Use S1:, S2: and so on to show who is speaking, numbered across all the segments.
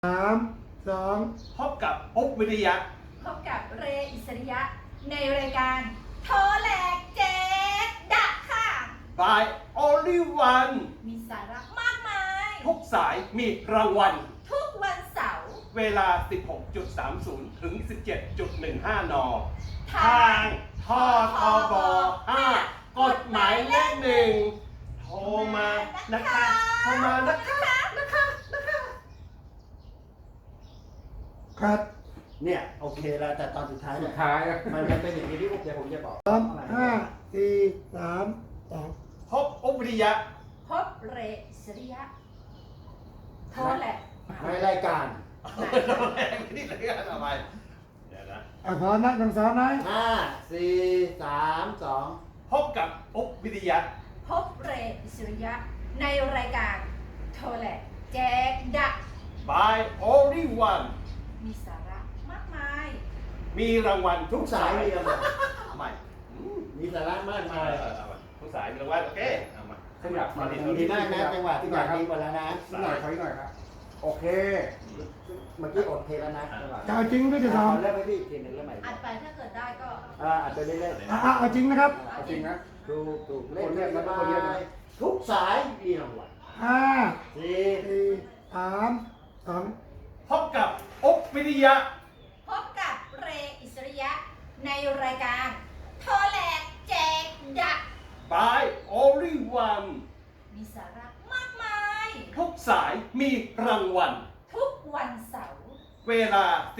S1: 3 2
S2: พบกับอุ๊บวิริยะ
S3: พบกับเรอิสริยะในรายการโทรแหลกแจ๊ดดักค่ะ
S2: by only one
S3: มีสาระมากมาย
S2: ทุกสายมีรางวัล
S3: ทุกวันเสาร์
S2: เวลา 16.30 ถึง 17.15 น.
S3: ทา
S2: ทางททบ5กฎหมายเลขหนึ่งโทรมานะคะโทรมานะคะ
S1: ครับ
S4: เนี่ยโอเคแล้วแต่ตอนสุดท้าย
S5: สุ
S4: เนี่
S5: ด
S4: ย
S5: ท้ายนะ
S4: มันจะเป็นอย่างนี้ที่เดี๋ยวผมจะบอก
S1: 5 4 3 2
S2: พบอุ๊บวิริยะ
S3: พบเรอิสริยะโทรแหลก
S4: ในรายการ
S2: ไม่ได้เลยกันทำไมเดี๋ยวนะ
S1: พร้อมนะทั้งสองนะ
S4: 5 4 3 2
S2: พบกับอุ๊บวิริยะ
S3: พบเรอิสริยะในรายการโทรแหลกแจ๊ดดัก
S2: by only one
S3: มีสาระมากมาย
S2: มีรางวัล
S4: ทุกสายมีรางวัล
S2: เอาใหม่
S4: มีสาระมากมาย
S2: เอามาทุกสายมีรางวัลโอเคเอามา
S5: ขยับมา
S4: ดีมากนะจังหวะที่อยากดีกว่าแล้วนะ
S5: นิดหน่อยขออีกหน่อยครับ โอเค
S4: เมื่อกี้อดเทแล้วนะจังหวะ
S1: จะเอาจริงหรือจะ
S4: ข
S1: ท
S4: อเริ่มให้พี่อีกทีหนึ่งแล้วใหม่
S3: อัดไปถ้าเกิดได้ก็
S4: อัดไปเรื่อย
S1: ำเอาจริงนะครับ
S5: เอาจริงนะ
S4: ๆถูกเล่น
S5: คนเรียกนะ
S4: ส
S5: คนเรียก
S4: บา
S5: นะ
S4: ยทุกสายมีรางวัล
S1: 5
S4: 4
S1: 4 3 2
S2: พบกับอุ๊บวิริยะ
S3: พบกับเรอิสริยะในรายการโทรแหลกแจกดัก
S2: by only one
S3: มีสาระมากมาย
S2: ทุกสายมีรางวัล
S3: ทุกวันเสาร์
S2: เวลา 16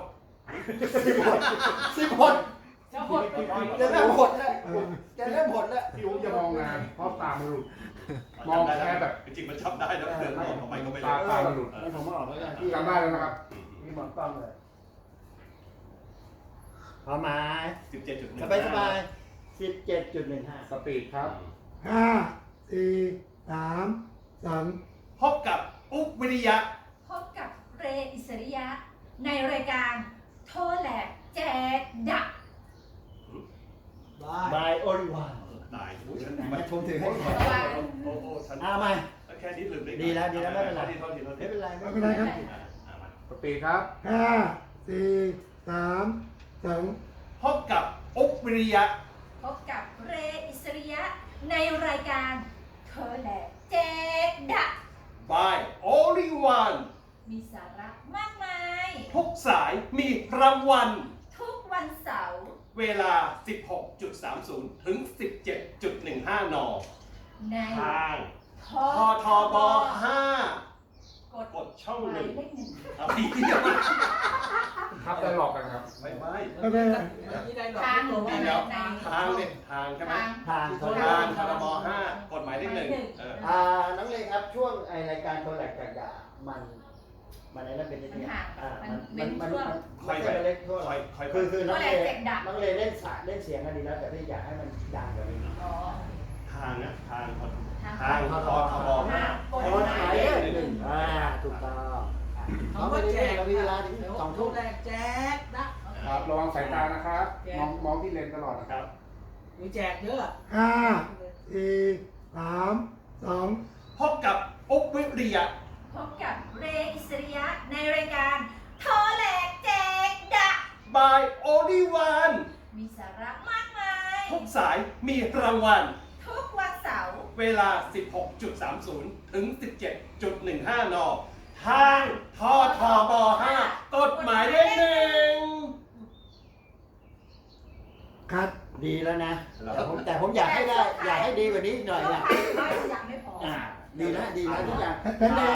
S4: 10
S3: จะหด
S4: จะเริ่มหดแล้วจะเริ่มหดแล้ว
S5: พี่อุ้มจะมองงานเพราะตามันหลุด มองแค่แบบ
S2: จริงๆมันชอบได้นะเดินมองทำไมก็ไม่
S5: ตา
S2: รู้
S5: ตามันหลุด
S4: งั้นผมมาออกแล้วกันพี่
S5: จำได้แล้วนะครับ
S4: พี่หมอนกล้องเลยพร้อมไหม
S2: 17.1
S4: สบายสบาย17.15
S5: สปีดครับ
S1: 5 4 3 2
S2: พบกับอุ๊บวิริยะ
S3: พบกับเรอิสริยะในรายการโทรแหลกแจกดัก
S4: บายโอริวาน
S2: ตายโอ้ยฉัน
S4: มาชมถือให้
S2: โอ้โหฉัน
S4: มา
S2: แค่นี้ลืมได้
S4: ดีแล้วไม่เป็นไร
S2: โทษที
S4: ไม่เป็นไร
S1: ไม่เป็นไรครับ
S2: มา
S5: สปีดครับ
S1: 5 4 3 2
S2: พบกับอุ๊บวิริยะ
S3: พบกับเรอิสริยะในรายการโทรแหลกแจกดัก
S2: by only one
S3: มีสาระมากมาย
S2: ทุกสายมีรางวัล
S3: ทุกวันเสาร์
S2: เวลา 16.30 ถึง 17.15 น.
S3: ใน
S2: ทาง
S3: ท
S2: ททบ5 กดช่อง
S3: ห
S2: ห
S3: มาย
S2: นึ่ง
S3: เลขหนึ่ง
S2: เอาพี่เดียว
S5: ทับได้หลอกกันครับ
S2: ไม่
S1: ไม่เป็นไร
S3: ทางหรือว่าใน
S2: ทางเนี่ยทางใช่ไหม
S3: ทาง
S4: ทาง
S2: ทางททบ5 กฎหมายเลขหนึ่งเออ
S4: น้องเลครับช่วงรายการโทรแหลกจากด่ามันอะไรนั่นเป็นยังไงมันไม่ใช่เล็กทั่วคือน้องเลเล่นสายเล่นเสียงกันดีแล้วแต่พี่อยากให้มันดังกว่านี้
S3: อ๋อ
S2: ทางนะทาง
S3: ทาง
S2: ททบ
S3: กฎ
S4: โท
S3: ห
S4: ร
S3: มา
S4: หาย ย
S3: เล
S4: เล
S3: ข
S4: ข
S3: ห
S4: ห
S3: นึ่
S4: นึ่
S3: ง
S4: งถูกต้องเขาไม่ได้เล่นเวลาถึง2 ทุ่ม
S6: แรกแจกนะ
S5: ครับ ระวังสายตานะครับ มองที่เลนตลอดนะ
S2: ค
S5: ค
S2: รั
S5: รับ บ
S6: มีแจกเยอะ
S1: 5 4 3 2
S2: พบกับอุ๊บวิริยะ
S3: พบกับเรอิสริยะในรายการโทรแหลกแจกดัก
S2: by only one
S3: มีสาระมากมาย
S2: ทุกสายมีรางวัล
S3: ทุกวันเสาร์
S2: เวลา 16.30 ถึง 17.15 น. ทางททบ5 กฎหมายเลขหนึ่ง
S1: คัด
S4: ดีแล้วนะแต่ผมอยากให้ได้อยากให้ดีกว่านี้หน่อยนะ
S3: ไม่ยังไม่พอ
S4: ดีนะทุกอย่าง
S1: เป็นไง